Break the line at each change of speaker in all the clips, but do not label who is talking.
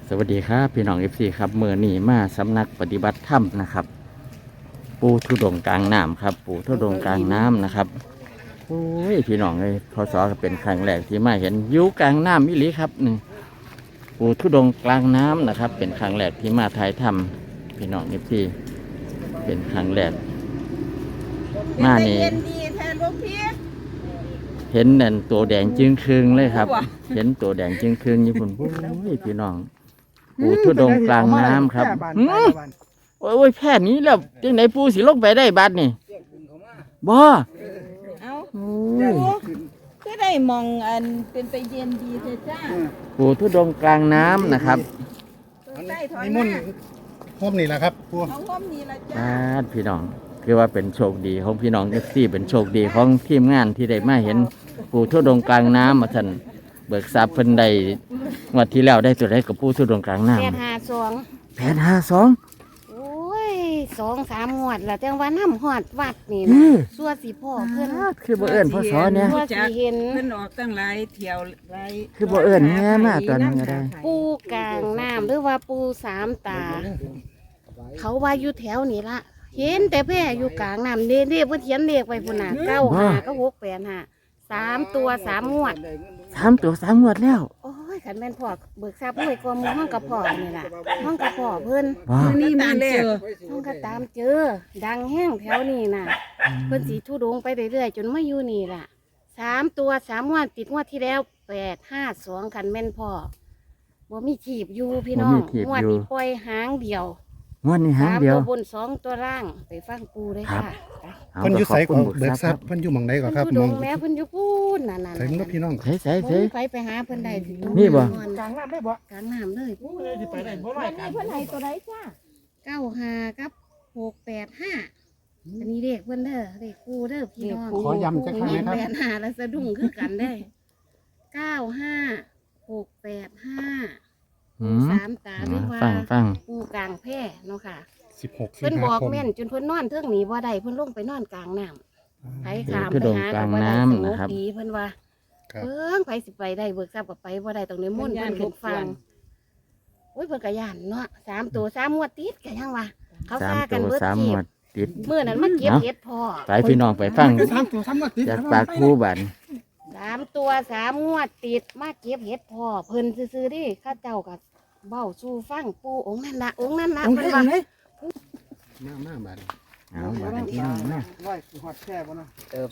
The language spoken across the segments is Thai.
สวัสดีครับพี่น้องFCครับเมื่อนี้มาสำนักปฏิบัติธรรมนะครับปูทุดงค์กลางน้ำครับปูทุดงค์กลางน้ำนะครับโอ้ยพี่น้องเลยพศก็เป็นครั้งแรกที่มาเห็นอยู่กลางน้ำมิลิครับนี่ปูทุดงค์กลางน้ำนะครับเป็นครั้งแรกที่มาถ่ายทำพี่น้องFCเป็นครั้งแรกมานี่
เย็นดีแทนลูกพี่
เห็นนั่นตัวแดงจึงครึงเลยครับ เห็นตัวแดงจึงครึงอยู่พุ่นโอ้ยพี่น้องปูทุดงค์กลางน้ำครับโอ้ยแค่นี้แล้วจังไหนปูสิลงไปได้บัดนี่บ่
เอา
โอ้ย
ก็ได้มองอันเป็นไปเย็นดีเถอะจ้า
ปูทุดงค์กลางน้ำนะครับ
ใต้ถอย
นิ
ห
ม
น้าน
ต์พบนี่แหละครับพวก
เอาห้อมนี้ละจ้า
พี่น้องคือว่าเป็นโชคดีของพี่น้องFCเป็นโชคดีของทีมงานที่ได้มาเห็นปูทุดงค์กลางน้ำมาท่านเบิกทรัพย์เพิ่นได้งวดที่แล้วได้ตัวได้กับปูทุดงค์กลางน้ำ
852
852
โอ้ย2-3งวดแล้วจังว่าน้ำฮอดวัดนี่
นี่
นะสัวสิพ่อเพิ่น
คือบ่เอิ้นพศเนี่ย
สัวสิเห็น
เพิ่นออกตั้งหลายเที่ยวหลาย
คือบ่เอิ้นแม่มาตอนนั้นก็ได้
ปูกลางน้ำหรือว่าปูสามตา เขาว่าอยู่แถวนี่ละเห็นแต่แพร่อยู่กลางน้ำเด้เพิ่นเขียนเลขไว้พุ่นน่ะ95ก็685 3 ตัว 3 งวด
3 ตัว3 งวดแล้ว
โอ้ยขันแม่นพ่อเบิกทรัพย์ด้วยกว่าหมูห้องกับพ่อนี่ล่ะห้องกับพ่อเพิ่น
ว้า
นี่มาเจอ
ห้องก็ตามเจอ ดังแห้งแถวนี้น่ะ เพิ่นสีทุดงไปเรื่อยๆจนมาอยู่นี่ล่ะ3 ตัว 3 งวดติดงวดที่แล้ว852ขันแม่นพ่อบ่มีถีบอยู่พี่น้องงวดนี้ปล่อยหางเดียว
งวดนี้หาง
3
เดียว
ตัวบน2 ตัวล่างไปฟังปูเลยค่ะ
เอา
เพิ่นอยู่ไส
ข
ก่
บ
อน
คุณ
เบิกทรัพ
ค
ย์เพิ่นอยู่หม่องใดก่อนครับ
เพิ่นทุดงแล้วเพิ่นอยู่พูนนั่นๆ
ใส่มึงกับพี่น้อง
ใส่ใส่
บ่
ใส่
มีใครไปหาเพิ่นได้ถึง
นี่บ่
กลางน้ำได้บ่
กลางน้ำเลย
ไปได้บ่
วันนี้เพิ่นให้ตัวใดจ้า
95กับ685อันนี้เลขเพิ่นเด้อเลขกูเด้อพี่น้อง
ขอย้ำสักครั้งนะครับ
885แล้วสะดุ้งคือกันได้95 685
อื
ปู
ม
สามตาหรือว่า
ฟัง
ปูกลางแพร่เนาะค่ะ
16 สิ
เพิ่น
ง
บ
หา
อก
คม
แม่นจนเพิ่นนอนเทิงหนีบ่ได้เพิ่นลงไปนอนกลางน้ำไผขาม
คือ
ไป
ดง
หาก
ลาง
บ่ได้
น้ำ
สง
นะ
บ
ครับ
ดีเพิ่นว่า
ครับ
เบิ่งไผสิไปได้เบิกทรัพย์ก็ไปบ่ได้ต้องนิมนต์เพิ่นขึ้นฟังโอ้ยเพิ่นก็ย่านเนาะ3 ตัว 3 งวดติดก็ยังว่าเขา
สา
ซ่าม กั
ตั
น
ว
เบิด
3
ที
งวดติด
มื้อนั้นมาเก็บเห็ดพ่อ
ไปพี่น้องไปฟัง
3 ตัว3 ติด
จากปากครูบัน
3 ตัว 3 งวดติดมาเก็บเห็ดพ่อเพิ่นซื่อๆดิข้าเจ้าก็เบ้าสู่ฟังปู่องค์นั้นล่ะองค์นั้นล่ะ
องค์
เพิ่น
ไหน
ว่า
มาบาด
เอาบัดพี่น้องนะ
ร้อยฮอดแค่บ่เนาะ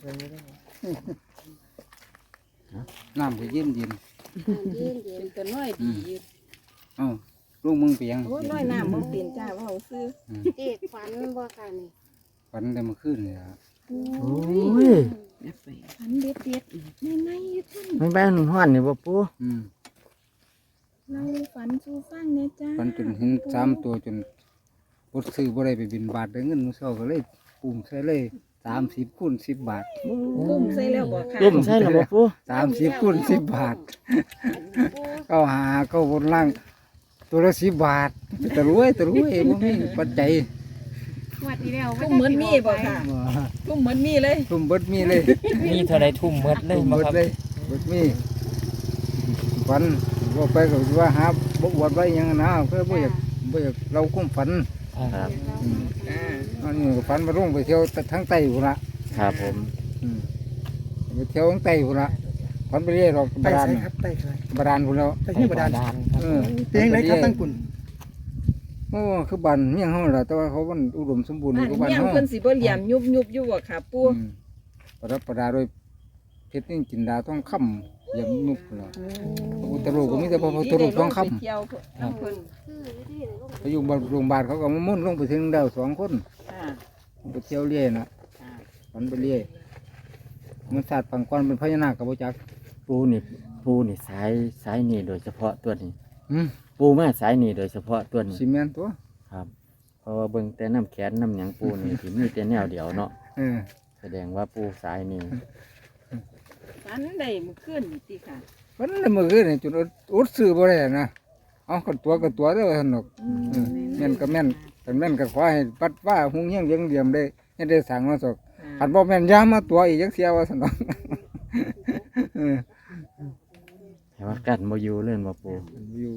น้ำก็เย็นเย็น
เย็น
เป็นตัวน้อยดีอยู่
เอ้าลูกมึงเปียง
โอ้ยน้อยน้ำบ่เปลี่ยนจ้าว่าเอาซื้อ
ๆเด็กฝันบ่ค่ะนี่
ฝันได้เมื่อคืนเลยครับ
โอ้ย
อันเด็ดเด็ดในอยู่ท่าน
ไม่แม่นห้อนนี่บ่ปู
เราฝันสู่ฟังเนี่ยจ้า
ฝันจนเห็น3 ตัวจนบดซื้อบ่ได้ไปบินบาทได้เงินมื้อเช้าก็เลยปุ่มใส่เลย30คูณ10 บาท
ปุ้มใส่แล้วบ่ค่ะ
ร่มใช่หรอบ่ปู
30คูณ10 บาทก็หาก็บนล่าง ตัวละ10 บาทตะรวยบ่มีปัจจัย
งวดที่แล้ว
ปุ้มเหมือนมีบ่ค่ะปุ้มเหมือนมีเลย
ทุ่มเบิดมีเลย
มีเท่าไรทุ่มเมดเลย
ทุ่ม
มา
เบิด
ครับ
เลยเบิดมีฝันว่าไปก็ว่าหาบ่อวดไว้หยังนะเพื่อบ่อยากเราคุ้มฝัน
ครับ
อันนี้ก็ฝันมาลงไปเที่ยวทั้งใต้พุ่นละ
ครับผม
ไปเที่ยวทั้งใต้พุ่นละฝันไปเรื่อยหรอก
ไต่
บาดาล
ใส่ครับไต่ใส่
บาดาลพุ่นแล้ว
ไต่ที่บาดาล
เออ
เตียงไหนครับตั้งกุ่น
โอ้คือบ้านเมียงเฮาล่ะแต่ว่าเขามันอุดมสมบูรณ์
อัน
กว่าบ้าน
ยัง
เฮา
เพิ่นสิบ่เหลี่ยมยุบอยู่บ่ค่ะปู่
ประดับประดาด้วยเพชรนิ่งจินดาทองคำยำนุกล่ะอุตรุก็มีแต่พระพุทธรูปทองคำ
ไปเที่ยวเพิ่น
ไปอยู่โรงพยาบาลเขาก็มามุ่นลงไปถึงดาว2 คน
ค่ะ
ไปเที่ยวเรื่อยนะฝันไปเรื่อยมันศาสตร์ปังกรเป็นพญานาคกับพจัก
ปูนี่สายนี่โดยเฉพาะตัวนี้
อืม
ปูมาสายนี่โดยเฉพาะตัวนี้
ซีเมนต์ตัว
ครับ เพราะว่าเบิ่งแต่น้ำแขนน้ำหยังปูนี่ที่มีแต่แนวเดียวเนาะ
เออ
แสดงว่าปูสายนี่
ฝันได้เมื่อคืนนี่ติค่ะ
มันน่ะมื่อคืนนี่จนอดซื้อบ่ได้นะเอากันตัวเด้อท่านนกแม่นก็แม่นกันแม่นก็ขอให้ปัดว่าหุงเฮียงเลี้ยงเหลี่ยมได้ให้ได้สั่งมาสกอันบ่แม่นยามาตัวอีกจังเสียว่าซั่นเนาะเออ
แต่ว่ากันบ่อยู่เล่นบ่ปู
อยู่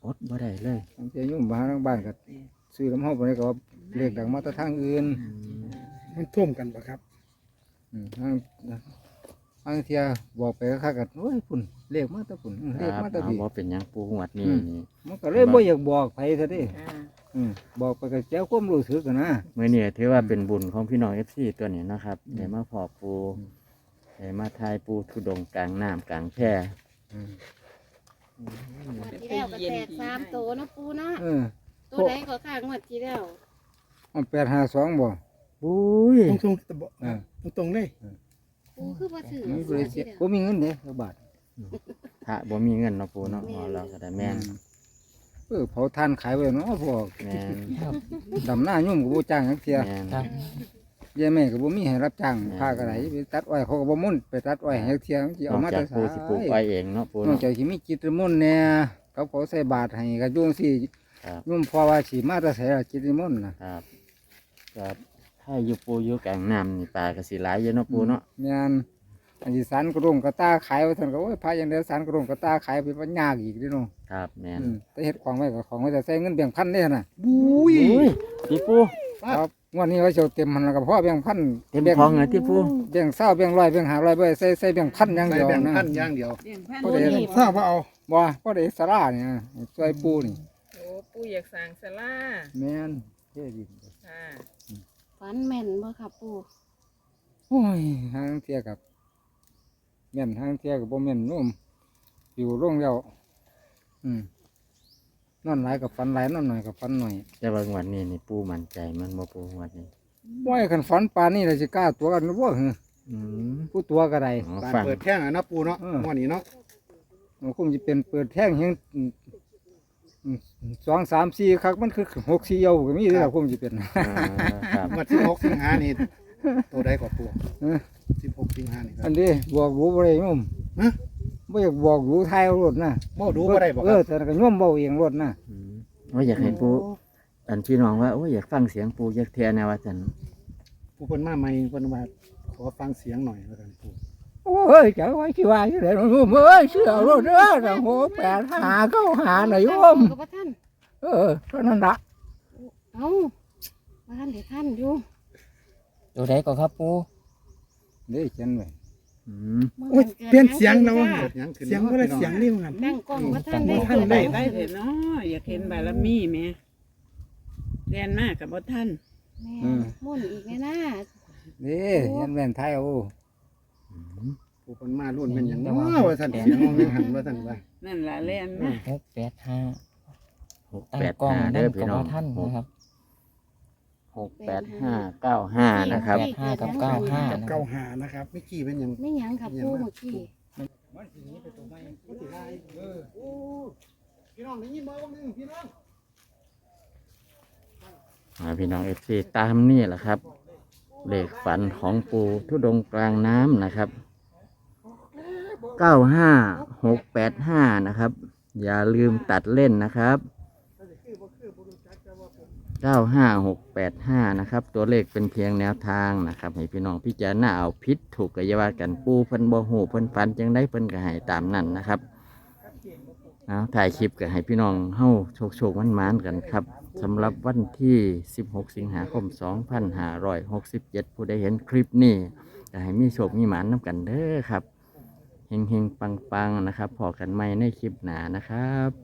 อดบ่ได้เลย
บางทีโยมบ้านทางบ้านก็ซื้อน้ำเฮาไปก็ว่าเลขดังมาแต่ทางอื่น
มันท่วมกันปะครับ
บางเทียบอกไปก็คักกันโอ้ยพุ่นเลขมาแต่พุ่นเลข
ครับ
มาแต่
เอา
พี่
บ่เป็นหยังปูงวดนี้นี่
มันก็เลยบ่อยากบอกไผซะเดิบอกไปก็เจ้าความรู้สึกกันนะ
มื้อนี้ถือว่าเป็นบุญของพี่น้อง FC ตัวนี้นะครับได้มาพอปู
อืม
ได้มาทายปูทุดงค์กลางน้ำกลางแพร่
งวดที่แล้วก็แตก3ตัวเนาะปูเนาะ
เออ
ตัวใดก็ข้างงวดที่แล้ว
เอา852บ่
อุ้ย
ตรงๆตะบ
เออ
ตรงๆเลย
ปูคือบ่ซื้อ
มีบริษัทบ่มีเงินเด้สักบาท
ถ้าบ่มีเงินเนาะปูเนาะเอาเราก็ได้แม่น
เผาทานขายไว้เนาะพวก
แม่น
ดำหน้ายุ่มก็บ่จ้างจักเที่ย
แม่น
ครับ
ยายแม่ก็บ่มีให้รับจ้างพาก็ได้ไปตัดอ้อยเขาก็บ่มุ่นไปตัดอ้อยให้จักเที่ยมันสิ
น
เอา
อก
มา
จา
แต่
ก
ไส
ปูสิปลูกไว้เองเนาะปู
นอก
เนาะ
จากสิมีจิตรมนต์แหน่เขาใส่บาตรให้ก็ยุ่งสิ
ครับ
ยุ่มพอว่าสิมาแต่ไสล่ะจิตรมนต์น่ะ
ครับก็ถ้าอยู่ปูอยู่กลางน้ำนี่ปลาก็สิหลายอยู่เนาะปูเนาะ
แม่นอันสิสันกระดงกระตาขายไว้ซั่นก็โอ้ยพาอย่างเดียวสันกระดงกระตาขายไปว่ายากอีกเด้เนาะ
ครับแม่น
แต่เฮ็ดของไว้ก็ของไว้แต่ใส่เงินแบ่งค์พันเด้น่ะ
บุ้ย
อุ้ยที่ปู
ครับงวดนี้ไว้เจ้าเต็มมันแล้วก็พอแบ่งค์พัน
เต็มท้องเลยที่ปู
แบ่งค์20แบ่งค์100แบ่งค์500บ่ได้ใส่แบ่งค์พันอย่าง
ใส่
เดียว
แบ่ง
นะ
พันอย่างเดียว
บ่ได้
ทราบว่าเอา
บ่บ่ได้สาราเนี่ยช่วยปูนี่
โอ้ปู่อยากสั่งสลา
แม่นเฮ็ดดิ
ค่ะ
ฝันแม่นบ่ครับปู
โอ้ยทางเที่ยกับแม่นทางเที่ยกับบ่แม่นโยมอยู่โรงแล้วนอนหลายกับฝันหลายนอนหน่อยกับฝันหน่อย
แต่ว่างวดนี้นี่ปูมั่นใจมันบ่ปูงวดนี้
ว่าคันฝันปานนี้เราสิกล้าตัวกันบ่เหรอ
อืม
ผู้ตัวก็ได้
อ๋อ
การ
ฟัง
เปิดแท่งอะนะปูเนาะวันนี้เนาะ
มันคงจะเป็นเปิดแท่งเฮง2 3 4ครั้งมันคือ6 4เยาก็มีเด้อคงจะเป็น
ครับ
วัน16 สิงหานี่ตัวใดกว่าปู
เออ
16 สิงหานี่ครั
อั
บ
นนี้บอกรู้บ่ได้โยม
ฮะ
บ่อยากบอกรู้ทายเอารถนะ
บ่ดูบ่ได้บ่
เอ
ค
อ
รับ
แต่ก็โยมเว้าเองรถนะ
อืมว่าอยากให้ปูอันพี่น้องว่าโอ้ยอยากฟังเสียงปูอยากเทียแนวว่าจัน
ปูเพิ่นมาใหม่เพิ่นมาขอฟังเสียงหน่อยแล้วกันปู
โอ้ยจะไว้ที่ว่าอยู่ไหนโยมเอ้ยเชื่อรถเด้อนะโห8 5 9 5น่ะโยม
ก็บ่ทัน
เท่านั้นละ
เอ้าบ่ทันได้ทันอยู่
ตัวใดก็ครับปู
นี่เขียนไว้
อืม
โอ้ยเปลี่ยนเสียงแล้ว
จ้า
เกิดหยังขึ้นเสียงบ่ได้เสียงนี่เหมือนกัน
ตั้งกล้องบ่ทันได้
บ่ทันได้ได้เถอะเนาะอยากเห็นบารมีแหม่เรียนมากกับบ่ทัน
แม่มุ่นอีกแน่นะ
นี่เขียนแว่นไทยเอา
ปูเพิ่นมารุ่นเป็นหยังเนาะว่าซั่นเสียงมันหันว่าซั่นว่า
นั่นล่ะเรียนมา
685ตั้ง
685
กล้อง
เด้
นั่
อน พี่
ก็
น้อ
บ่
ง
ทันนะครับ
68595นะครับ
85กับ95นะค
เก้า
รับ
หานะครับไม่กี่เป็นหยัง
ไม่หยังครับปูเมื่อกี้
พี่น้องได้ยินบ่ว่านึงพี่น้อง
พี่น้องFC ตามนี่แหละครับเลขฝันของปูทุดงค์กลางน้ำนะครับ95685นะครับอย่าลืมตัดเล่นนะครับ95685นะครับตัวเลขเป็นเพียงแนวทางนะครับให้พี่น้องพิจารณาเอาพิษถูกกายว่ากันปูเพิ่นบ่ฮู้เพิ่นฝันจังได้เพิ่นก็ให้ตามนั้นนะครับเอาถ่ายคลิปก็ให้พี่น้องเฮาโชคๆมันๆกันครับสำหรับวันที่16 สิงหาคม 2567 ผู้ใดเห็นคลิปนี้ก็ให้มีโชคมีหมานนำกันเด้อครับเฮงๆปังๆนะครับพอกันใหม่ในคลิปหน้านะครับ